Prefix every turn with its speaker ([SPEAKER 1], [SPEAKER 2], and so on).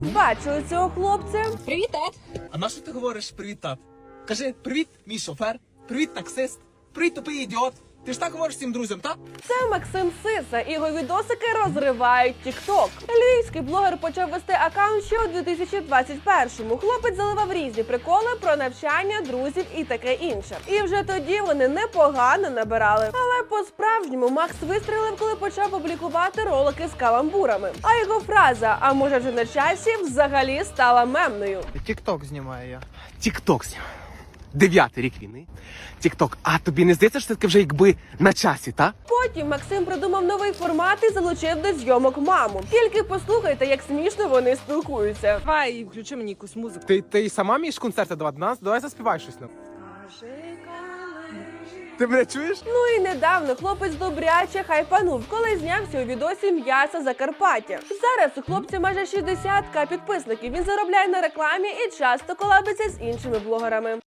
[SPEAKER 1] Бачили цього хлопця?
[SPEAKER 2] Привіт, тат.
[SPEAKER 3] А на що ти говориш привіт, тат? Кажи привіт, мій шофер, привіт, таксист, привіт, тупий ідіот. Ти ж так говориш всім друзям, так?
[SPEAKER 1] Це Максим Сиса, і його відосики розривають TikTok. Львівський блогер почав вести аккаунт ще у 2021-му. Хлопець заливав різні приколи про навчання, друзів і таке інше. І вже тоді вони непогано набирали. Але по-справжньому Макс вистрілив, коли почав публікувати ролики з каламбурами. А його фраза «а може вже на часі» взагалі стала мемною.
[SPEAKER 4] Тік-ток знімаю я.
[SPEAKER 5] Тік-ток знімаю. 9-й рік війни. Тік-ток. А тобі не здається, що це таке вже якби на часі, та?
[SPEAKER 1] Потім Максим придумав новий формат і залучив до зйомок маму. Тільки послухайте, як смішно вони спілкуються.
[SPEAKER 2] Давай, включи мені якусь музику.
[SPEAKER 5] Ти сама вмієш концерти давати? Давай заспівай щось нам. Ти мене чуєш?
[SPEAKER 1] Ну і недавно хлопець добряче хайпанув, коли знявся у відосі «М'ясо Закарпаття». Зараз у хлопця майже 60 000 підписників. Він заробляє на рекламі і часто колабиться з іншими блогерами.